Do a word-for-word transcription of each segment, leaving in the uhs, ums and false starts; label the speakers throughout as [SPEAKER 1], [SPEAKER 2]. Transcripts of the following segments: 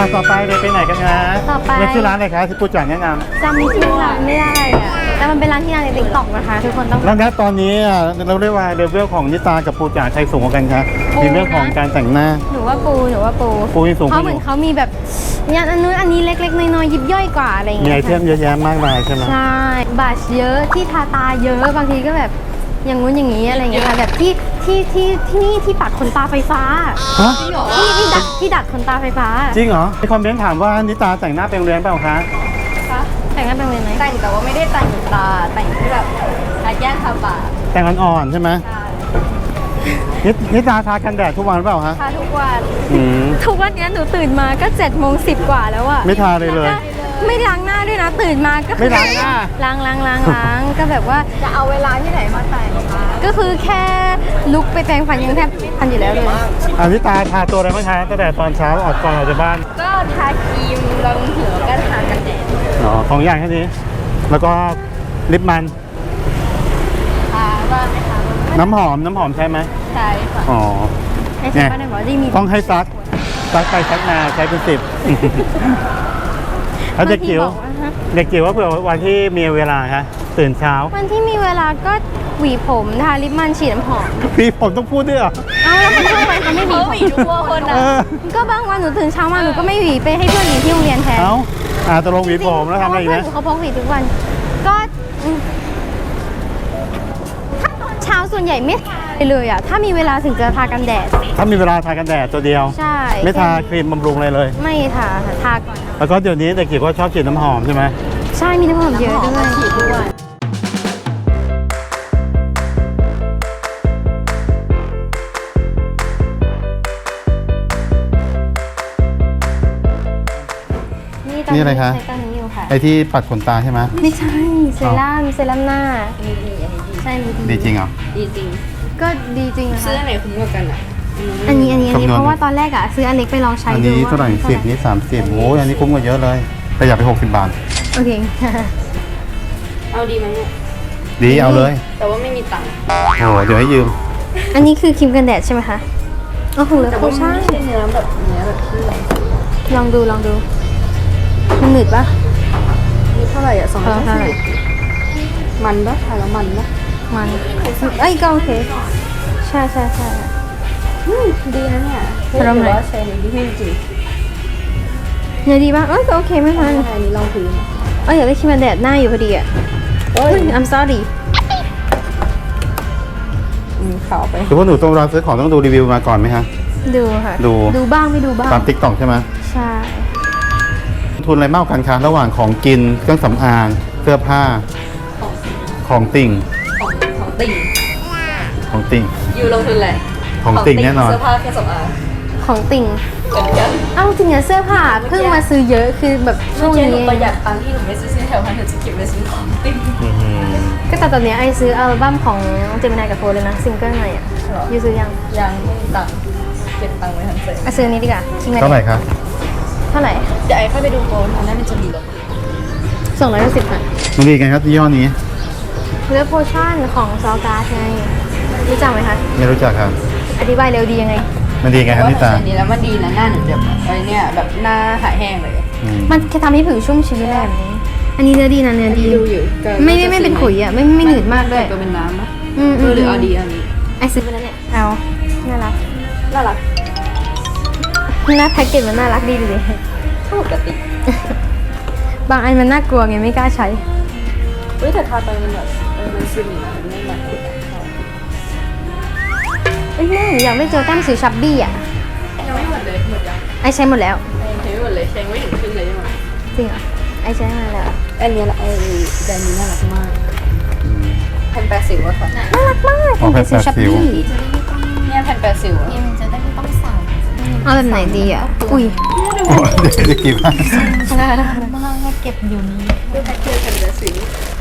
[SPEAKER 1] ต่อไปเลยไปไหนกันนะ
[SPEAKER 2] ต่อไป
[SPEAKER 1] เรียกชื่อร้านอะไรคะที่ปูจ๋าแนะน
[SPEAKER 2] จำชื่อร้านไม่ได้อะแต่มันเป็นร้านที่ดังในติ๊กต็อกนะคะ ทุกคนต้อง
[SPEAKER 1] ำแล้วนะตอนนี้อ่ะเราเรียกว่าเลเวลของนิตากับปูจ๋าใครสูงกว่ากันคะ
[SPEAKER 2] ปูนะ
[SPEAKER 1] ในเรื่องของการแต่งหน้า
[SPEAKER 2] หนูว่าปูหนูว่าปู
[SPEAKER 1] ปูนี่สูง
[SPEAKER 2] เพราะเหมือนเขามีแบบอย่างอันนู้นอันนี้เล็กๆน้อยๆยิบย่อยกว่าอะไรอย่าง
[SPEAKER 1] มี
[SPEAKER 2] เงี้
[SPEAKER 1] ไอย เทมเยอะแยะมากมายใช่ไหม
[SPEAKER 2] ใช่บัชเยอะที่ทาตาเยอะบางทีก็แบบอย่างงู้นอย่างนี้อะไรอย่างเงี้ยค่ะแบบที่ที่ที่ที่นี่ที่ปัดขนตาไฟฟ้า
[SPEAKER 1] ฮะ
[SPEAKER 2] ที่ที่ดัดที่ดัดขนตาไฟฟ้า
[SPEAKER 1] จริงเหรอมีคอมเมนต์ถามว่านิตาแต่งหน้าเป็นโรงเรียนเปล่าคะ
[SPEAKER 2] แต่งหน้าเป็นเวรไหม
[SPEAKER 3] แต่งแต่ว่าไม่ได้แต่งตาแต่งที่แบบทาแก้มทาปาก
[SPEAKER 1] แต่งอ่อนๆใช่ไหม
[SPEAKER 3] ใช่
[SPEAKER 1] นินิตาทากันแดดทุกวันหรือเปล่าฮะ
[SPEAKER 3] ทาทุกวัน
[SPEAKER 1] อืม
[SPEAKER 2] ทุกวันนี้หนูตื่นมาก็เจ็ดโมงสิบกว่าแล้วอะ
[SPEAKER 1] ไม่ทาเลยเลย
[SPEAKER 2] ไม่ล้างหน้าด้วยนะตื่นมาก็คือ
[SPEAKER 1] ไม่ล้างหน้า
[SPEAKER 2] ล้างล้างล้างล้างก็แบบว่า
[SPEAKER 3] จะเอาเวลาที่ไหนมาแต่งคะ
[SPEAKER 2] ก็คือแค่ลุกไปแปรงฟันยังแทบไม่ทันอยู่แล้วเลย
[SPEAKER 1] อานิตาทาตัวอะไรบ้างคะตั้งแต่ตอนเช้าออกก่อนออกจากบ้าน
[SPEAKER 3] ก็ทาครีมรองหัวก็ทากันแดด
[SPEAKER 1] อ๋อของอย่างแค่นี้ แล้วก็ลิปมัน
[SPEAKER 3] ทาบ้างไหมคะ
[SPEAKER 1] น้ำหอมน้ำหอมใช่ไหม
[SPEAKER 3] ใช่ค่ะ
[SPEAKER 1] อ๋อ
[SPEAKER 2] ไอ้ที่บ้านได้บอกว่าได้มี
[SPEAKER 1] ต้องให้ซักซักไปซักมาใช้เป็นสิบ แล้วเด็กจิ๋ว
[SPEAKER 2] บางทีบอกว่าฮะ
[SPEAKER 1] เด็กจิ๋วว่าเผื่อวันที่มีเวลาคะตื่นเช้า
[SPEAKER 2] วันที่มีเวลาก็หวีผมทาลิปมันฉีดน้ำหอม
[SPEAKER 1] พี่ผมต้องพูดด้วยเหรอ
[SPEAKER 2] เอาแล้วคนทั่วไปเขาไม่หวี
[SPEAKER 3] เขา
[SPEAKER 2] ผม
[SPEAKER 3] หวีทุกคน
[SPEAKER 1] เอ
[SPEAKER 3] อ่ะ
[SPEAKER 1] อ
[SPEAKER 2] ก็บางวันหนูตื่นเช้ามาหนูก็ไม่หวีไปให้เพื่อนหวีที่โรงเรียนแทน
[SPEAKER 1] เอ้าอ่าตกลงหวีผมแล้วทำอะไรอีก
[SPEAKER 2] เพื่อน
[SPEAKER 1] นะ
[SPEAKER 2] หนูเขาพกหวีทุกวัน ก็อืมถ้าตอนเช้าส่วนใหญ่ไม่ทาเลยอ่ะถ้ามีเวลาถึงจะทากันแดด
[SPEAKER 1] ถ้ามีเวลาทากันแดดตัวเดียว
[SPEAKER 2] ใช่
[SPEAKER 1] ไม่ทาครีมบำรุงอะไรเลย
[SPEAKER 2] ไม่ทาค่ะทาก่อน
[SPEAKER 1] แล้วก็เดี๋ยวนี้เด็กจิ๋วก็ชอบฉีดน้ำหอมใช่ไหม
[SPEAKER 2] ใช่มีน้ำหอมเยอะด้วย
[SPEAKER 3] ฉีดด้วย
[SPEAKER 2] ต
[SPEAKER 1] นี่อะไรคะ
[SPEAKER 2] ใช้ตัวนี้อยู่ค่ะ
[SPEAKER 1] ไอที่ปัดขนตาใช่ไหม
[SPEAKER 2] ไม่ใช่เซรั่มเซรั่มหน้า
[SPEAKER 3] ดีดีอันนี้ดี
[SPEAKER 2] ใช่
[SPEAKER 1] ดีจริงเหรอ
[SPEAKER 3] ดีจริง
[SPEAKER 2] ก็ดีจริงนะ
[SPEAKER 3] ซื้อ
[SPEAKER 2] คะ
[SPEAKER 3] อันไหนคุ้มกว่ากันอ่ะ
[SPEAKER 2] อันนี้อันนี้อันนี้
[SPEAKER 1] คำนวณ
[SPEAKER 2] เพราะว่าตอนแรกอะซื้ออันเล็กไปลองใช้
[SPEAKER 1] อัน
[SPEAKER 2] ดู
[SPEAKER 1] นี้
[SPEAKER 2] ว่า
[SPEAKER 1] เท่าไหร่สิบนี่สามสิบโอ้ยอันนี้คุ้มกว่าเยอะเลยประหยัดไปหกสิบบาท
[SPEAKER 2] โอเค
[SPEAKER 3] เอาดีไหมเนี่ย
[SPEAKER 1] ดีเอาเลย
[SPEAKER 3] แต่ว่าไม่มีตังค์
[SPEAKER 1] โอ้เดี๋ยวให้ยืม
[SPEAKER 2] อันนี้คือครีมกันแดดใช่ไหมคะโอ้โหแล้ว
[SPEAKER 3] แต่
[SPEAKER 2] คุ
[SPEAKER 3] ว่า
[SPEAKER 2] ณช่าง
[SPEAKER 3] ไม่ใช่เนื้อแบบเนื้อแบบที่
[SPEAKER 2] ลองดูลองดูมันหนืดปะ
[SPEAKER 3] นี่เท่าไหร่อ่ะสองร้อย
[SPEAKER 2] เท่าไหร่
[SPEAKER 3] ห้าสิบมันปะทาแล้วมันปะ
[SPEAKER 2] มันเอ้ยก็โอเคใช่ใช่ใช่
[SPEAKER 3] อืมดีนะเนี่ย
[SPEAKER 2] ทาแล้วไหน
[SPEAKER 3] ถือว่าใช้ในที่จริง
[SPEAKER 2] เนี่ยดีปะเอ้ยก็โอเคไม่ทัน
[SPEAKER 3] อันนี้ลองพื้น
[SPEAKER 2] เอ้ยอยากได้ครีมกันแดดหน้าอยู่พอดีอะ
[SPEAKER 3] เอ้
[SPEAKER 2] เฮ้
[SPEAKER 3] ย
[SPEAKER 2] ย I'm sorry
[SPEAKER 3] อืมขาวไป
[SPEAKER 1] คือว่าหนูต้องร้านซื้อของต้องดูรีวิวมาก่อนไหมฮะ
[SPEAKER 2] ดูค่ะ
[SPEAKER 1] ดู
[SPEAKER 2] ดูบ้างไม่ดูบ้าง
[SPEAKER 1] ตามติ๊กต็อกใช่ไหม
[SPEAKER 2] ใช่
[SPEAKER 1] ทุนอะไรมากกว่ากันคะระหว่างของกินเครื่องสำอางเสื้อผ้า ของติ่ง
[SPEAKER 3] ของของติ่ง
[SPEAKER 1] ของติ่ง
[SPEAKER 3] อยู่ลงทุนแหละ
[SPEAKER 1] ของติ่งแน่นอน
[SPEAKER 3] เสื้อผ้าเครื่องสำอาง
[SPEAKER 2] ของติ่ง
[SPEAKER 3] เหมือนกัน
[SPEAKER 2] เอ้าจริงอะเสื้อผ้าเพิ่งมาซื้อเยอะคือแบบช่วง
[SPEAKER 3] เมื่อกี้หนู
[SPEAKER 2] นี้
[SPEAKER 3] ประหยัดตังค์ที่หนูไม่ซื้อเสื้อแถวพันหนูจะเก็บไปซื้อของติ่ง
[SPEAKER 1] อื้อหือ
[SPEAKER 2] ก็แต่ตอนเนี้ยไอซื้ออัลบั้มของเจมินายกับโฟร์เลยนะซิงเกิลใหม่อะยูซื้อยัง
[SPEAKER 3] ยังไม่มีตังค์เก็บตังค์ไว้ทันเสร็จ
[SPEAKER 2] อ่ะซื้ออันนี้ดีกว่าคิดไหม
[SPEAKER 1] เท่าไหร่ครับ
[SPEAKER 2] เท่าไหร่
[SPEAKER 3] เดี๋ยวไอ้ค่อยไปดูโปรอันนั้นมันจะมีลด
[SPEAKER 2] สองร้อยสิบค่ะ
[SPEAKER 1] มันดีกันครับยี่ห้อนี้
[SPEAKER 2] เลือโพชั่นของซอการ์ดไงรู้จักไหมคะ
[SPEAKER 1] ไม่รู้จักครับ
[SPEAKER 2] อธิบายเร็วดียังไง
[SPEAKER 1] มันดีไงครับ
[SPEAKER 3] ว่า
[SPEAKER 1] นิ
[SPEAKER 3] ถ้า
[SPEAKER 1] ตา
[SPEAKER 3] ใช้นี้แล้วมันดีนะหน้าหนูแบบไอ้เนี่ยแบบหน้าหายแห้งเลย
[SPEAKER 1] อืม
[SPEAKER 2] มันแค่ทำให้ผิวชุ่มชื้นอะไรแบบนี้ อันนี้เนื้อดีนะเนื้อดี
[SPEAKER 3] ดูอยู่ก็
[SPEAKER 2] ไม่ไม่ไม่เป็นขุยอ่ะไม่ไม่หนืดมากด้วย
[SPEAKER 3] ตัวเป็นน้ำปะ
[SPEAKER 2] อืม
[SPEAKER 3] เออหรือเอาดีอันนี้
[SPEAKER 2] ไอซื้อไปแล้วเนี่ยเอาน่ารัก
[SPEAKER 3] น่ารัก
[SPEAKER 2] หน้าแพ็กเกจมันน่ารักดีดูดิ
[SPEAKER 3] ปกติ
[SPEAKER 2] บางอันมันน่ากลัวไงไม่กล้าใช้
[SPEAKER 3] เฮ้ยแต่ทาไปมันแบบเออมันซึมนะมันไม่แบบขุ่น
[SPEAKER 2] เอ้ยแม่อยากได้เจอแต้มสีชับบี้อ่ะ
[SPEAKER 3] ยังไม่หมดเลยหมดยัง
[SPEAKER 2] ไอใช้หมดแล้ว
[SPEAKER 3] ใช้ไม่หมดเลยใช้ไม่ถึงครึ่งเลยใช่ไหม
[SPEAKER 2] จริงเหรอไอใช้มาแล้ว
[SPEAKER 3] อันนี้ละไอ้แบรนด์นี้น่ารักมาก
[SPEAKER 1] อืม
[SPEAKER 3] แผ่นแปดสิวอะค่ะ
[SPEAKER 2] น่ารักมาก
[SPEAKER 1] อ๋อแผ่น
[SPEAKER 2] สี
[SPEAKER 1] แปดสิว
[SPEAKER 2] ชับบี้
[SPEAKER 3] เนี่ยแผ่นแปดสิวอะ
[SPEAKER 2] เอาแบบไหนดีอ่ะอุ้ย
[SPEAKER 1] โอ้เดี๋ยวจะกี่บ้าง
[SPEAKER 2] ได้ได้
[SPEAKER 3] ดูแพ็คเกจแผ่นแปดสิว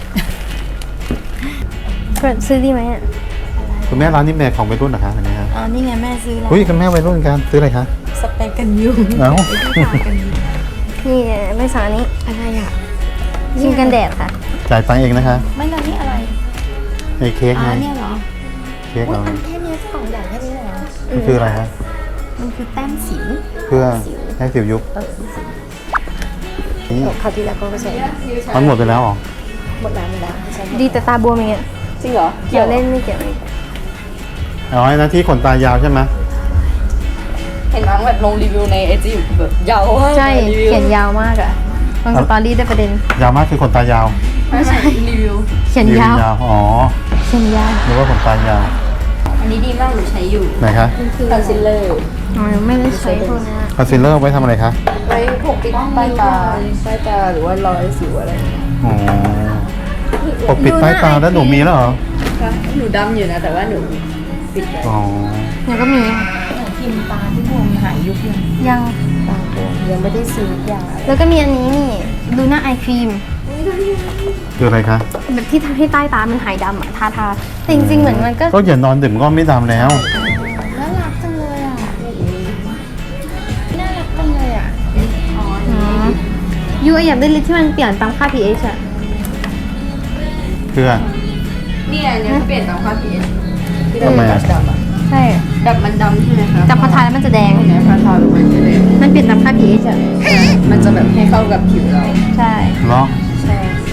[SPEAKER 2] เปิดซื้อดีไหมอ่ะ
[SPEAKER 1] คุณแม่ร้านนี้เป็นของวัยรุ่นเหรอคะอันนี้ครับ
[SPEAKER 3] อ๋อนี่ไงแม่ซื้อแล้ว
[SPEAKER 1] อุ้ยคุณแม่วัยรุ่นกันซื้ออะไรคะ
[SPEAKER 3] สเปรย์กันยุง
[SPEAKER 1] เอ้า
[SPEAKER 2] นี่ไม่สั่งอันนี้
[SPEAKER 3] อะไรอ่ะ
[SPEAKER 2] ครีมกันแดดค่ะ
[SPEAKER 1] จ่ายตังค์เองนะคะ
[SPEAKER 3] ไม่แล้วนี่อะไร
[SPEAKER 1] ไอ้เค้ก
[SPEAKER 3] อ๋อ
[SPEAKER 1] ไง
[SPEAKER 3] เนี่ยเหรอ
[SPEAKER 1] เค้กเรา
[SPEAKER 3] แค่นี้กล่องใหญ่แค่นี้เลยเหรอ
[SPEAKER 1] มันคืออะไรฮะ
[SPEAKER 3] มันคือแต้มสิว
[SPEAKER 1] เพื่อ
[SPEAKER 3] สิว
[SPEAKER 1] ให้สิวยุบ
[SPEAKER 4] เออ
[SPEAKER 1] นี่
[SPEAKER 4] คราวที่แล้วก็ใช้
[SPEAKER 1] มันหมดไปแล้วเหรอ
[SPEAKER 4] หมดน้ำไปแล้วใช่ไหม
[SPEAKER 2] ดีแต่ตาบวมอย่างเงี้ย
[SPEAKER 3] จริงเหรอ
[SPEAKER 2] เกี่ยวเล่นไม่เกี่ยว
[SPEAKER 1] อ๋อไอ้นะที่ขนตายาวใช่ไหม
[SPEAKER 3] เห็นมั้งแบบลงรีวิวในไอจีแบบยาวมาก
[SPEAKER 2] ใช่
[SPEAKER 3] รีวิว
[SPEAKER 2] เขียนยาวมากอะลงสตอรี่ได้ประเด็น
[SPEAKER 1] ยาวมากคือขนตายาว
[SPEAKER 3] ไม่ใช่รีวิว
[SPEAKER 2] เขียนยาว
[SPEAKER 1] ยาวอ๋อ
[SPEAKER 2] เขียนยาว
[SPEAKER 1] หรือว่าขนตายาว
[SPEAKER 3] อันนี้ดีมากหนูใช้อยู่
[SPEAKER 1] ไหนคะ
[SPEAKER 3] คอนซีลเลอร์
[SPEAKER 2] อ๋อไม่ได้ใช้พวกเนี้ย
[SPEAKER 1] คอนซีลเลอร์ไว้ทำอะไรคะ
[SPEAKER 3] ไว้ปกปิดใต้ตาใต้ตาหรือว่ารอยสิวอะไรอย่างเงี้ย
[SPEAKER 1] อ๋อปกปิดใต้ตาแล้วหนูมีแล้วเหรอ
[SPEAKER 3] ค่ะหนูดำอยู่นะแต่ว่าหนูปิดไว้
[SPEAKER 1] อ๋อ
[SPEAKER 2] หนูก็มี
[SPEAKER 4] กินตาที่บวมหายยุบยัง
[SPEAKER 2] ยัง
[SPEAKER 4] ตาบวมยังไม่ได้ซื้อยา
[SPEAKER 2] แล้วก็มีอันนี้นี่ดูหน้าไอครีม
[SPEAKER 1] คืออะไรคะ
[SPEAKER 2] แบบที่ทำให้ใต้ตามันหายดำอะทาทาแต่จริงๆเหมือนมันก็
[SPEAKER 1] ก็อย่านอนดื่มก็ไม่ดำแล้ว
[SPEAKER 4] น่ารักจังเลยอ่ะน่ารักจังเลยอ่ะ
[SPEAKER 2] อ๋อยูอยากได้ลิปที่มันเปลี่ยนตามค่า pH อะ
[SPEAKER 1] เพื่อ
[SPEAKER 3] เนี่ยอันเนี้ยเขาเปลี่ยนตามค่า pH ที่
[SPEAKER 1] ทำไมอะ
[SPEAKER 3] ดำอะ
[SPEAKER 2] ใช่
[SPEAKER 3] แบบมันดำใช่ไหมคะ
[SPEAKER 2] จับพอทาแล้วมันจะแดง
[SPEAKER 3] เนี่ยพอทาลงมันจะแดง
[SPEAKER 2] มันเปลี่ยนตามค่า pH อะ
[SPEAKER 3] มันจะแบบให้เข้ากับผิวเรา
[SPEAKER 2] ใช่
[SPEAKER 1] เหรอ
[SPEAKER 3] ใช่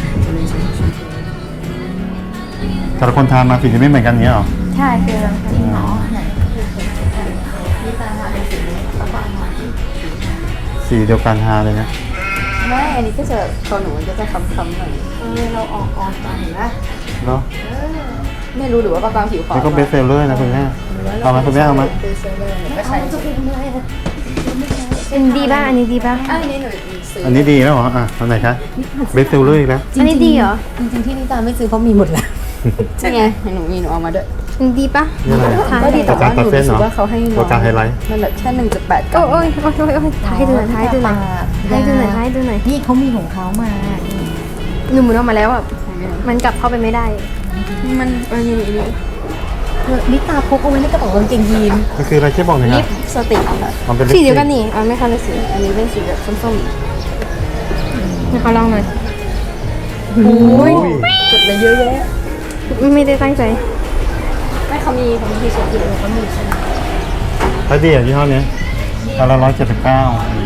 [SPEAKER 1] แต่ละคนทานมาสีจะไม่เหมือนกันเนี้ยเหรอ
[SPEAKER 2] ใช่คือมัน
[SPEAKER 4] จริงเหรอไหน
[SPEAKER 1] สีเดียวกันทาเลยนะ
[SPEAKER 3] ไม่อันนี้ก็จะตอนหนูมันก็จะค้ำๆหน่อย
[SPEAKER 4] เออเราออกออกตาเห็นปะ
[SPEAKER 1] เหรอ
[SPEAKER 3] ไม่รู้หรือว่าประกางผิวขาว
[SPEAKER 1] นี่ก็เบสเซลเลอร์นะคุณแม่เอามาคุณแม่เอามา
[SPEAKER 3] เบสเซลเลอร์ก็ใช้
[SPEAKER 4] จะเป็นอะไรอ่ะ
[SPEAKER 2] เป็นดีป่ะอันนี้ดีป่ะ
[SPEAKER 3] อันนี้หนูซื้อ
[SPEAKER 1] อันนี้ดีแล้วเหรอ อ่ะอันไหนคะเบสเซลเลอร์อีกแล้ว
[SPEAKER 2] อันนี้ดีเหรอ
[SPEAKER 4] จริงๆที่นิตาไม่ซื้อเพราะมีหมดแล้ว
[SPEAKER 3] ใช่ไงหนูมีหนูเอามาด้วย
[SPEAKER 2] อันนี้ดีป่ะ
[SPEAKER 1] นี่อะไร
[SPEAKER 2] ทา
[SPEAKER 3] ก็
[SPEAKER 2] ให้
[SPEAKER 3] ดี
[SPEAKER 2] ดู
[SPEAKER 3] แต่ว่าหนู
[SPEAKER 1] ตัวการ
[SPEAKER 3] รู้สึ
[SPEAKER 1] เหร
[SPEAKER 3] ก
[SPEAKER 1] อ
[SPEAKER 3] ว่าเขาให้น้
[SPEAKER 1] ตัวการไฮไลท์
[SPEAKER 3] มันแบบแค่หนึ่งจุดแปดกรั
[SPEAKER 2] โอ้
[SPEAKER 3] ม
[SPEAKER 2] ยโอ้ยโอ้ยโอ้ยทาให้ดูหน่อยทาให้ดูหน่อยทาให้ดูหน่อยทาให้ดูหน่อย
[SPEAKER 4] นี่เขามีของเขามา
[SPEAKER 2] หนูหมุนออกมาแล้วอ่ะมันกลับเข้าไปไม่ได้
[SPEAKER 3] มันอันนี้อันนี้
[SPEAKER 4] เออนิตาพกเอาไว้ในกระเป๋ากางเกงยีน
[SPEAKER 1] มันคืออะไรช่วยบอกหน่อยค
[SPEAKER 3] ลิ
[SPEAKER 1] รับ
[SPEAKER 3] ปสติกค่ะ
[SPEAKER 1] มันเป็นลิป
[SPEAKER 2] สีเดียวกันนี่เอาไม่คันละสี
[SPEAKER 3] อันนี้เป็นสีแบบส้ม
[SPEAKER 2] นะคะลองหน่อย
[SPEAKER 3] ๆโอ้ยกดไปเยอะแยะ
[SPEAKER 2] ไม่ได้ตั้งใจ
[SPEAKER 3] ไม่เขามีเขามีที่เช็ดอยู่เขามีใช่ไหม
[SPEAKER 1] ถ้าดีอ่ะยี่ห้อนี้อันละร้อยเจ็ดสิบเก้า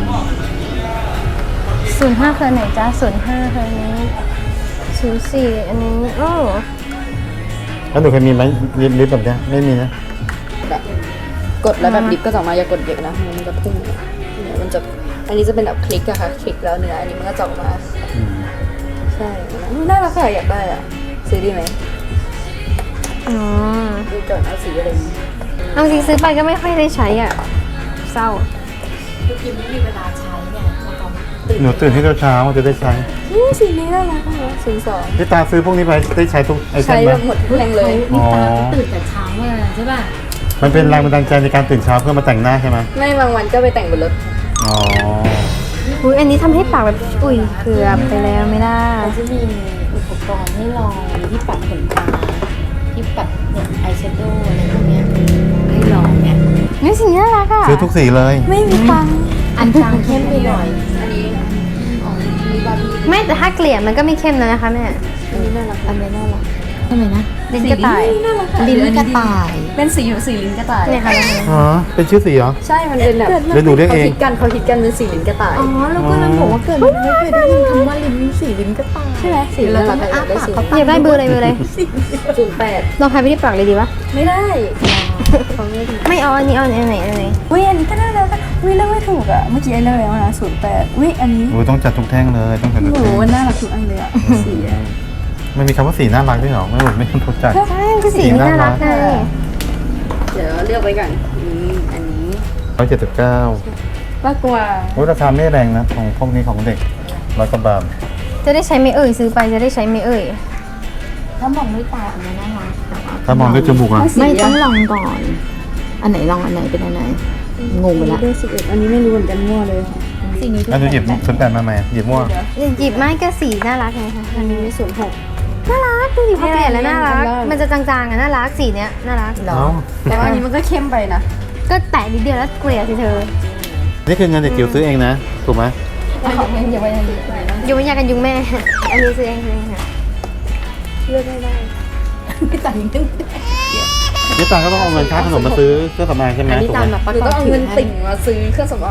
[SPEAKER 2] ศูนย์ห้าเคยไหนจ้าศูนย์ห้าเคยนี้ศูนย์สี่อันนี้โอ้
[SPEAKER 1] แล้วหนูเคยมีไหมลิปลิปแบบเนี้ยไม่มีนะ
[SPEAKER 3] แบบกดแล้วแบบลิปก็จะออกมาอย่ากดเยอะนะมันจะพุ่งเนี่ยมันจะอันนี้จะเป็นแบบคลิกอะค่ะคลิกแล้วเนื้ออันนี้มันก็จะออกมา
[SPEAKER 1] อืม
[SPEAKER 3] ใช่น่ารักค่ะอยากได้อะซื้อดีไหม
[SPEAKER 2] อ๋อ
[SPEAKER 3] ดูก่อนเอาสีอะไรดี
[SPEAKER 2] เอาจริงซื้อไปก็ไม่ค่อยได้ใช้อ่ะเศร้า
[SPEAKER 4] คือกินไม่มีเวลาใช้เนี่ยแล้วก็
[SPEAKER 1] หนูตื่นให้เช้าๆจะได้ใช้
[SPEAKER 3] อืมสีนี้น่ารักมากศูนย์สอง
[SPEAKER 1] พี่ตาซื้อพวกนี้ไปได้ใช้ทุกไอเท
[SPEAKER 3] ใช้
[SPEAKER 1] มไหม
[SPEAKER 3] แบบหมดทุกแรงเลย
[SPEAKER 4] นิตาก็ตื่นแต่เช้ามาใช่ป่ะ
[SPEAKER 1] มันเป็นแรงบันดาลใจในการตื่นเช้าเพื่อมาแต่งหน้าใช่ไหม
[SPEAKER 3] ไม่บางวันก็ไปแต่งบนรถ
[SPEAKER 1] อ๋อ
[SPEAKER 2] อุ้ยอันนี้ทำให้ปากแบบอุ้ยเกือบไปแล้วไม่ได้
[SPEAKER 4] เขาจะมีอุปกรณ์ให้ลองมีที่ปัดขนตาที่ปัดเนี่ยอายแชโดว์อะไรพวกเนี้ยให้ลองเนี่ย
[SPEAKER 2] นี่สีน่ารักอ่ะ
[SPEAKER 1] ซื้อทุกสีเลย
[SPEAKER 2] ไม่มีตังค์
[SPEAKER 4] อันจางเข้มไปหน่อย
[SPEAKER 3] อันนี้อ๋อมีบาร์บี้
[SPEAKER 2] ไม่แต่ถ้าเกลี่ยมันก็ไม่เข้มแล้วนะคะแม่
[SPEAKER 3] อันนี้น่ารักอันนี้น่ารัก
[SPEAKER 4] ทำไมนะ
[SPEAKER 2] ลิ้นกระต่าย
[SPEAKER 3] น่ารัก
[SPEAKER 4] ลิ้นกระต่าย
[SPEAKER 3] เป็นสีอยู่สีลิ้นกระต่าย
[SPEAKER 2] เนี่ยค่ะลองดู
[SPEAKER 1] อ๋อ เป็นชื่อสีเหรอ
[SPEAKER 3] ใช่มันเป็นแบบ
[SPEAKER 1] เดี๋ยวหนูเรียกเอง
[SPEAKER 3] ขาคิดกันเขาคิดกันเป็นสีลิ้นกระต่าย
[SPEAKER 4] อ๋อแล้วก็เลยบอกว่าเกิดมาไม่เคยได้ยินคำว่าลิ้นสีลิ้นกระต่าย
[SPEAKER 3] ใช่ไหมสี
[SPEAKER 4] เรา
[SPEAKER 3] น่า
[SPEAKER 4] จะ
[SPEAKER 3] รัก
[SPEAKER 4] ไม่
[SPEAKER 3] อะอยาก
[SPEAKER 4] อ้า
[SPEAKER 3] ได้สี
[SPEAKER 4] ปากเขา
[SPEAKER 2] อยากได้เบอร์อะไรเบอร์อะไร
[SPEAKER 3] ศูนย์แปด
[SPEAKER 2] ลองทายไปที่ปากเลยดีปะ
[SPEAKER 3] ไม่ได้เขาไม่ได้
[SPEAKER 2] ไม่เอาอันนี้เอาอันไหนอันไหน
[SPEAKER 3] อุ้ยอันนี้ก็น่ารักอะอุ้ยเลือกไม่ถูกอะเมื่อกี้ไอ้เลือกแล้วนะศูนย์แปดอุ้ยอันนี้
[SPEAKER 1] โอ้ยต้องจัดทุกแท่งเลย ต้องจัดทุก
[SPEAKER 3] โอ้โห
[SPEAKER 1] แท่ง
[SPEAKER 3] มันน่ารักทุกอันเลยอะสีอะ
[SPEAKER 1] มันมีคำว่าสีน่ารักด้วยเหรอ ไม่รู้ไม่รู้จัก
[SPEAKER 2] ใช่คือสีนี่น่ารักไง
[SPEAKER 3] เดี๋ยวเลือกไว้ก่อนนี่อันนี้
[SPEAKER 1] ร้อยเจ็ดสิบเก้า
[SPEAKER 3] มากกว่า
[SPEAKER 1] โอ้ยราคาไม่แรงนะ ของพวกนี้ของเด็กร้อยกว่าบาท
[SPEAKER 2] จะได้ใช้ไม่เอ่ยซื้อไปจะได้ใช้ไม่เอ่ย
[SPEAKER 4] ถ้ามองด้วยตาอันนี้น่ารักแต่ว่า
[SPEAKER 1] ถ้ามองด้วยจมูกอ่ะ
[SPEAKER 4] ไม่ต้องลองก่อน อันไหนลองอันไหนเป็นอันไหนงงไปละ
[SPEAKER 3] เบอร์สิบเอ็ดอันนี้ไม่รู้เหมือนกันมั่วเลย
[SPEAKER 4] สีนี้
[SPEAKER 1] แล้วหนูหยิบศูนย์แปดมาไหมหยิบมั่ว
[SPEAKER 2] หยิบไม้ก็สีน่ารักไงคะ
[SPEAKER 3] อันนี้ศูนย์หก
[SPEAKER 2] น่ารักดูดิพอเกลี่ยแล้วน่ารัก
[SPEAKER 3] อันล่าง
[SPEAKER 2] มันจะจางๆอะน่ารักสีเนี้ยน่ารัก
[SPEAKER 4] เหรอ
[SPEAKER 1] เอ้า
[SPEAKER 3] แต่ว่าอันนี้มันก็เข้มไปนะ
[SPEAKER 2] ก็แตะนิดเดียวแล้วเกลี่ยสิเธอ
[SPEAKER 1] นี่คือเงินเด็กจิ๋วซื้อเองนะ ถูกไหม
[SPEAKER 3] อย่าไปอันนี้
[SPEAKER 2] ยุงยากันยุงแม่ อันนี้ซื้อเองซื้อเองค่ะ
[SPEAKER 3] เลือกไม่ได้
[SPEAKER 4] พี่ตายังตึ้ง
[SPEAKER 1] นี่ตาก็ต้องเอาเงินค่าขนมมาซื้อเครื่องสำอางใช่ไหม
[SPEAKER 4] อันนี้
[SPEAKER 1] ถูก
[SPEAKER 4] ตาม
[SPEAKER 1] ไหม
[SPEAKER 4] แบบ
[SPEAKER 3] หรือต้องเอาเงินติ่งมาซื้อเครื่องสำอาง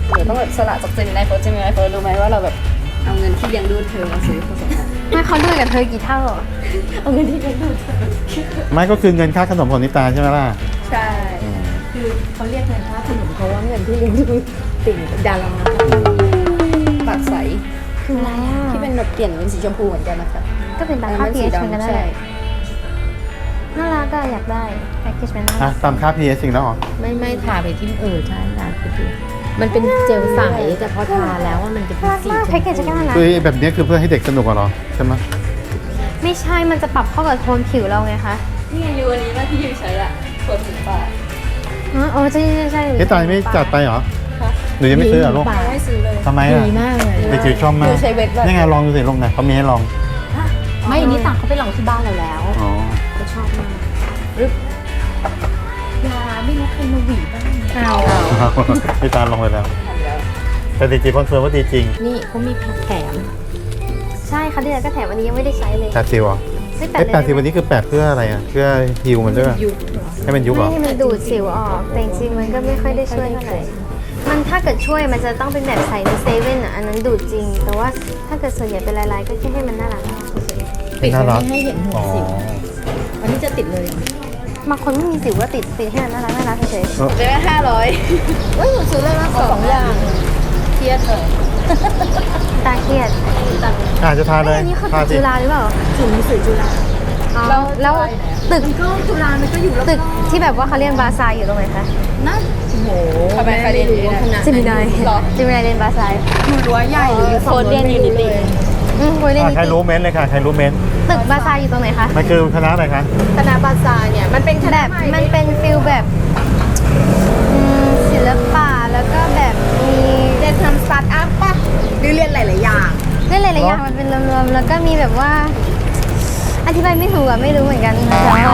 [SPEAKER 3] เดี๋ยวต้องแบบสละจากเจมินายเฟิร์สเจมินายเฟิร์สรู้ไหมว่าเราแบบเอาเงินที่เลี้ยงดูเธอมาซื้อผสมกัน
[SPEAKER 2] ไม่เขาด้วยกับเธอกี่เท่าเหรอ
[SPEAKER 3] เอาเงินที่เลี้ยงดูเธอ
[SPEAKER 1] ไม่ก็คือเงินค่าขนมของนิตาใช่ไหมล่ะ
[SPEAKER 3] ใช่
[SPEAKER 4] คือเขาเรียกเงินค่าขนมเพราะว่าเงินที่เลี้ยงดูติ่งดารา
[SPEAKER 3] ปากใส
[SPEAKER 2] คืออะไรอ่ะ
[SPEAKER 3] ที่เป็นแบบเปลี่ยนเป็นสีชมพูเหมือนกันนะคะ
[SPEAKER 2] ก็เป็นตาม
[SPEAKER 3] อัน
[SPEAKER 2] ค่า
[SPEAKER 3] นั้น
[SPEAKER 2] พี
[SPEAKER 3] สี
[SPEAKER 2] เอชเหมือนกัน
[SPEAKER 3] ดำ
[SPEAKER 2] นั่น
[SPEAKER 3] ใช่
[SPEAKER 2] แหละน่ารักก็อยากได้แพ็กเกจมันน่า
[SPEAKER 1] อ่ะ
[SPEAKER 2] รัก
[SPEAKER 1] ตามค่า พี เอช จริงแล้วเหรอ
[SPEAKER 4] ไม่ไม่ทาไปที่เออใช่ทาไปที่มันเป็นเจลใสแต่พอทาแล้วว่ามันจะเป็น
[SPEAKER 2] น่ารัก
[SPEAKER 4] สี
[SPEAKER 2] มาก
[SPEAKER 4] ช
[SPEAKER 2] แพ็ก
[SPEAKER 4] ม
[SPEAKER 2] เกจ
[SPEAKER 4] พู
[SPEAKER 2] ก็น่ารัก
[SPEAKER 1] คือแบบนี้คือเพื่อให้เด็กสนุกอะเหรอใช่ไหม
[SPEAKER 2] ไม่ใช่มันจะปรับเข้ากับโทนผิวเราไงคะ
[SPEAKER 3] นี่ไงยูอันนี้ว่าที่ยูใช้อะเปิดถึงปาก
[SPEAKER 2] อ๋อโอ้ใช่ใช่ใช่
[SPEAKER 1] เฮ้ยตายไม่จัดไปเหรอหรือยังไม่ซื้อเหรอลูก
[SPEAKER 3] ไม่ซื้อเลย
[SPEAKER 1] ทำไมอ่ะ
[SPEAKER 4] ดีมากเลย
[SPEAKER 1] เด็กจิ๋วชอบมา
[SPEAKER 3] ยู
[SPEAKER 1] ก
[SPEAKER 3] ใช้เวทแบบ
[SPEAKER 1] นี่ไงลองดูสิลงไหนเขามีให้ลอง
[SPEAKER 4] ไม่อันนี้ต่างเขาไปลองที่บ้านเราแล้ว
[SPEAKER 1] อ๋อ
[SPEAKER 4] เขาชอบมากรึบยาไม่รู้ใครมาหวีบ้าง
[SPEAKER 2] เอา
[SPEAKER 1] นิตาลองไปแล้ว แต่เด็กจิ๋วคอนเฟิร์มว่าดีจริง
[SPEAKER 4] นี่เขามีแถม
[SPEAKER 2] ใช่ค่ะที่ไหนก็แถมวันนี้ยังไม่ได้ใช้เลย
[SPEAKER 1] แปดสิบเหรอ
[SPEAKER 2] ไม่แป
[SPEAKER 1] ไอ้
[SPEAKER 2] ด
[SPEAKER 1] แปดสิบวันนี้คือแปดเพื่ออะไรอ่ะเพื่อฮิวมันด้วยป่ะ
[SPEAKER 4] ยุบ
[SPEAKER 1] ให้มันยุบเหร
[SPEAKER 2] ไม่
[SPEAKER 1] อ
[SPEAKER 2] ให้มันดูดสิวออกแต่จริงๆมันก็ไม่ค่อยได้ช่วยเท่าไหร่มันถ้าเกิดช่วยมันจะต้องเป็นแบบใส่ในเซเว่นอ่ะอันนั้นดูดจริง แต่ว่าถ้าเกิดส่วนใหญ่เป็นลายๆก็แค่ให้มันน่ารักเฉย
[SPEAKER 4] ปิด
[SPEAKER 1] น่ารัก
[SPEAKER 4] ไม่ให้เห็นหัว
[SPEAKER 1] อ๋อ
[SPEAKER 4] สิวอันนี้จะติดเลย
[SPEAKER 2] ๆบางคนไม่มีสิวก็ติดติดให้มันน่ารักน่ารักเฉย
[SPEAKER 1] เออ
[SPEAKER 3] จะได้ห้าร้อย
[SPEAKER 2] ๆเฮ้ยหนูซื้อเลยมาส
[SPEAKER 3] ส
[SPEAKER 2] อ
[SPEAKER 3] อง งอย่างเครียดเลย
[SPEAKER 2] ตาเครียด
[SPEAKER 1] อาจจะทาเลย
[SPEAKER 2] อันนี้คือ
[SPEAKER 1] ทา
[SPEAKER 2] ตึก
[SPEAKER 1] สิ
[SPEAKER 2] จุฬาหรือเปล่า
[SPEAKER 4] ถึงมีสื่อจุฬา
[SPEAKER 2] อ๋อแล้วตึก
[SPEAKER 4] ก็จุฬามันก็อยู่แล้ว
[SPEAKER 2] ตึกที่แบบว่าเขาเรียนบาซายอยู่ตรงไหนคะ
[SPEAKER 4] นะโอ้โห
[SPEAKER 3] ทำไมใครเรียนอยู่ที่นั่น
[SPEAKER 2] จิมินาย
[SPEAKER 3] หรอ
[SPEAKER 2] จิมินายเรียนบาซาย
[SPEAKER 4] อยู่รั้วใหญ่หรืออยู่
[SPEAKER 3] โฟนเรียนอยู่นิติ
[SPEAKER 2] อืมคุยเรียน
[SPEAKER 1] อ่ะ
[SPEAKER 2] นิ
[SPEAKER 1] ใคร
[SPEAKER 2] ติ
[SPEAKER 1] รู้เม้นต์เลยค่ะใครรู้เม้นต์
[SPEAKER 2] ตึกบาซายอยู่ตรงไหนคะ
[SPEAKER 1] มันคือคณะอะไรคะ
[SPEAKER 4] คณะบาซาเนี่ยมันเป็นคณะ
[SPEAKER 2] แบบมันเป็นฟิลแบบอืมศิลปะแล้วก็แบบมี
[SPEAKER 4] เรียนทำสตาร์ทอัพป่ะหรือเรียนหลาย ๆ อย่าง
[SPEAKER 2] เล่นหลายๆอย่างมันเป็นรวมๆแล้วก็มีแบบว่า อธิบายไม่ถูกอะไม่รู้เหมือนกันแต่ว่า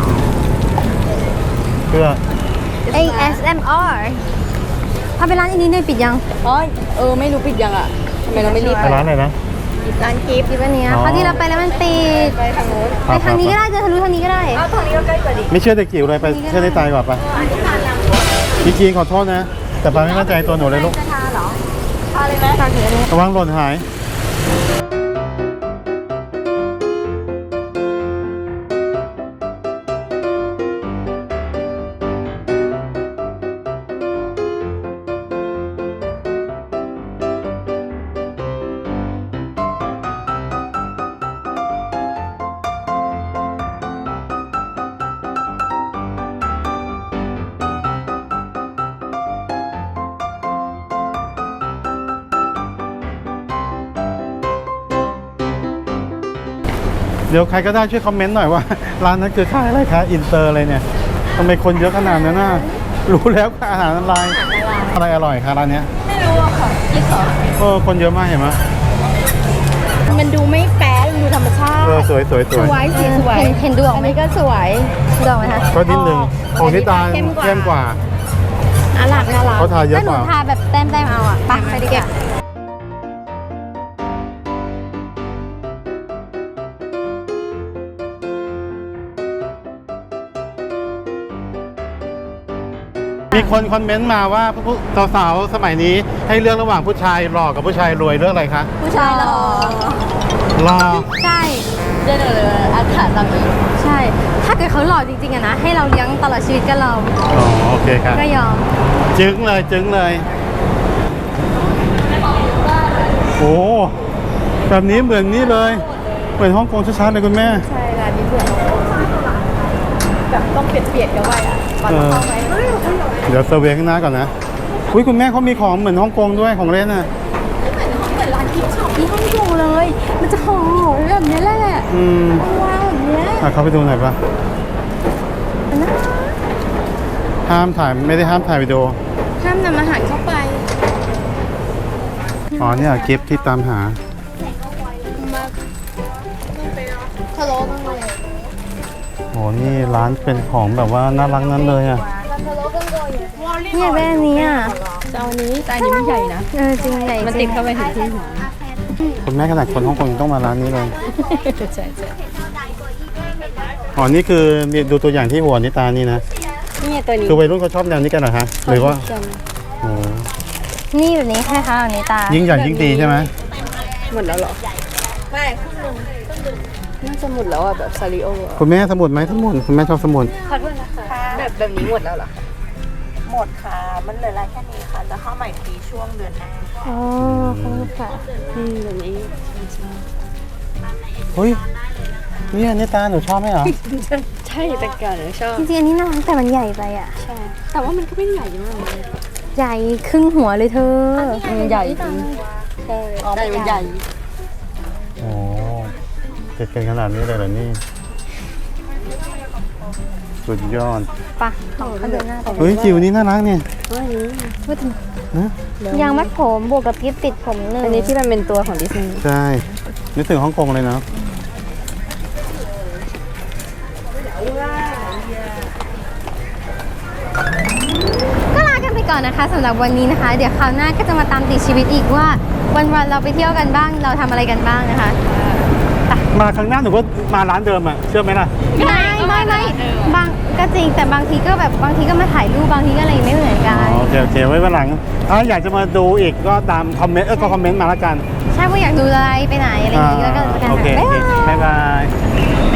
[SPEAKER 1] เพื่อ
[SPEAKER 2] เอ เอส เอ็ม อาร์ ถ้าเป็นร้านอันนี้เนี่ยปิดยัง
[SPEAKER 3] อ๋อเออไม่รู้ปิดยังอ่ะทำไมเราไม่รีบ
[SPEAKER 1] ไปร้านไหนนะ
[SPEAKER 2] ร้านกิฟต์กิฟต์อันเนี้ย
[SPEAKER 1] อ๋อ
[SPEAKER 2] คราวที่เราไปแล้วมันปิด
[SPEAKER 3] ไปทางโน้น
[SPEAKER 2] ไปทางนี้ก็ได้เดินทะลุทางนี้ก็ได้
[SPEAKER 3] อ้าวทางนี้ก็ใกล้กว่าดิ
[SPEAKER 1] ไม่เชื่อเด็กจิ๋วเลยไปเชื่อในตายก่อนไปจริงๆขอโทษนะ แต่ปาไม่มั่นใจตัวหนูเลยลูก
[SPEAKER 2] จะทาเหรอ
[SPEAKER 3] ทาเลยไหม
[SPEAKER 2] ทาถึงอันนี้
[SPEAKER 1] ระวังหล่นหาย เดี๋ยวใครก็ได้ช่วยคอมเมนต์หน่อยว่า ร้านนั้นคือขายอะไรคะอินเตอร์อะไรเนี่ยทำไมคนเยอะขนาดนั้นน่ะรู้แล้วค่ะอาหารอะไรอะไรอร่อยคะร้านเนี้ย
[SPEAKER 3] ไม่รู้อะค่ะยี่สอง
[SPEAKER 1] เออคนเยอะมากเห็นไหม
[SPEAKER 3] มันดูไม่แป๊ะมันดูธรรมชาติ
[SPEAKER 1] เออสวยสวยสวย
[SPEAKER 3] สวยสีสวย
[SPEAKER 2] เห็นเห็นดูออก
[SPEAKER 3] อัน
[SPEAKER 2] ไหม
[SPEAKER 3] นี้ก็สวย
[SPEAKER 2] ดูออกไหมคะ
[SPEAKER 1] ก็นิดนึงของที่ตาล
[SPEAKER 3] เข้มกว่า
[SPEAKER 1] เข้มกว่า
[SPEAKER 3] น่ารักน่ารัก
[SPEAKER 1] เขาทาเยอะ
[SPEAKER 2] ถ้าห
[SPEAKER 1] ก
[SPEAKER 2] นู
[SPEAKER 1] ว่า
[SPEAKER 2] ทาแบบแต้มๆเอาอ่ะไปไปดีกว่า
[SPEAKER 1] มีคนคอมเมนต์มาว่าผู้สาวๆสมัยนี้ให้เลือกระหว่างผู้ชายหล่อกับผู้ชายรวยเลือกอะไรคะ
[SPEAKER 2] ผู้ชายหล่อ
[SPEAKER 1] หล่อ
[SPEAKER 2] ใช่
[SPEAKER 3] เดินเลยอาถรรพ์ตามนี้
[SPEAKER 2] ใช่ ถ้าเกิดเขาหล่อจริงๆอะนะ ให้เราเลี้ยงตลอดชีวิตก็เรา
[SPEAKER 1] อ๋อโอเคครับ
[SPEAKER 2] ก็ยอม
[SPEAKER 1] จึ้งเลยจึ้งเลยโอ้แบบนี้เหมือนนี่เลยเหมือนฮ่องกงชัดๆเลยคุณแม่
[SPEAKER 3] ใช่ร้านนี้เหมือนแบบต้องเปียกๆกันไว้อะก่อน
[SPEAKER 1] เออ
[SPEAKER 3] เข้าไหม
[SPEAKER 1] เดี๋ยวเซอร์เวย์ข้างหน้าก่อนนะอุ้ยคุณแม่เขามีของเหมือนฮ่องกงด้วยของเล่นน่ะ
[SPEAKER 3] เหมือนร้านกิฟต์ช็อปที่ฮ่องกงเลย มันจะหอมแบบนี้แหละ
[SPEAKER 1] อืม
[SPEAKER 3] ว้าวแบบเนี้ย
[SPEAKER 1] อ่ะเข้าไปดูหน่อยปะห้ามถ่ายไม่ได้ห้ามถ่ายวิดีโอ
[SPEAKER 3] ห้ามนำอาหารเข้าไป
[SPEAKER 1] อ๋อเนี่ยกิฟต์ที่ตามหา
[SPEAKER 3] ทะเลาะกันเลย
[SPEAKER 1] โอ้นี่ร้านเป็นของแบบว่าน่ารักนั้นเลยอ่ะ
[SPEAKER 2] นี่อยากได้อันนี้อ่ะ
[SPEAKER 3] จะเอานี้แต่อันนี้ไม่ใหญ่นะ
[SPEAKER 2] เออจริงใหญ่
[SPEAKER 3] มัน
[SPEAKER 2] จริ
[SPEAKER 3] ติ
[SPEAKER 2] ง
[SPEAKER 3] ดเข้าไปถึงที่หัว
[SPEAKER 1] คุณแม่ขนาดคนฮ่องกงยังต้องมาร้านนี้เลย
[SPEAKER 3] ใช่ใช่
[SPEAKER 1] อ๋อนี่คือมีดูตัวอย่างที่หัวนิตานี่นะ
[SPEAKER 3] นี่ตัวนี้
[SPEAKER 1] คือวัยรุ่นเขาชอบแนวนี้กันเหรอคะหรือว่า
[SPEAKER 3] กัน
[SPEAKER 1] โอ้
[SPEAKER 2] นี่แบบนี้ใช่คะอันนี้ตา
[SPEAKER 1] ยิ่งใหญ่ยิ่งดีใช่ไหม
[SPEAKER 3] หมดแล้วเหรอ ไม่น่าจะหมดแล้วอ่ะแบบซาริโออ่ะ
[SPEAKER 1] คุณแม่สมุดไหมสมุดคุณแม่ชอบสมุด
[SPEAKER 3] ขอโทษนะคะแบบแบบนี้หมดแล้วเหรอ
[SPEAKER 5] หมดค่ะ มันเหลือรายแค่นี้ค่ะ จะเข้าใหม่ปีช่วงเดือนหน้า
[SPEAKER 2] อ๋อขอบคุณค่ะ
[SPEAKER 3] อืมแบบนี้
[SPEAKER 1] เฮ้ยนี่อันนี้ตาหนูชอบไหมเหรอ
[SPEAKER 3] ใช่แต่ก่อนหนูชอบ
[SPEAKER 2] จริงๆอันนี้น่ารักแต่มันใหญ่ไปอ่ะ
[SPEAKER 3] ใช่ แต่ว่ามันก็ไม่ได้ใหญ่มากเลย
[SPEAKER 2] ใหญ่ครึ่งหัวเลยเธอ
[SPEAKER 3] อืมใหญ่จริงใช่ใหญ่มันใหญ่
[SPEAKER 1] โอ้เจ็ดกันขนาดนี้เลยเหรอนี่สุดยอด
[SPEAKER 2] ปะของเขาเดินหน้าไป
[SPEAKER 1] เฮ้ยจิ๋วนี่น่ารักเนี่ย
[SPEAKER 2] พูดถึง
[SPEAKER 1] นะ
[SPEAKER 2] ยางมัดผมบวกกับกิ๊บติดผมหนึ่ง
[SPEAKER 3] อันนี้ที่มันเป็นตัวของดิสนีย์
[SPEAKER 1] ใช่นึกถึงฮ่องกงเลยเนาะ
[SPEAKER 2] ก็ลากันไปก่อนนะคะสำหรับวันนี้นะคะ เดี๋ยวคราวหน้าก็จะมาตามติดชีวิตอีกว่า วันๆเราไปเที่ยวกันบ้างเราทำอะไรกันบ้างนะคะ
[SPEAKER 1] มาครั้งหน้าหนูก็มาร้านเดิมอ่ะเชื่อไหมล่ะ
[SPEAKER 2] ไม่ไม่ไม่บางก็จริงแต่บางทีก็แบบบางทีก็มาถ่ายรูปบางทีก็อะไรไม่เหมือนกัน
[SPEAKER 1] อ๋อโอเคโอเคไว้วันหลังถ้าอยากจะมาดูอีกก็ตามคอมเมนต์เออก็คอมเมนต์มาแล้วกัน
[SPEAKER 2] ใช่ว่าอยากดูอะไรไปไหนอะไรอย่างงี้ก็ก็กัน
[SPEAKER 1] โอเค
[SPEAKER 2] ค่ะ
[SPEAKER 1] โอเคบ๊ายบาย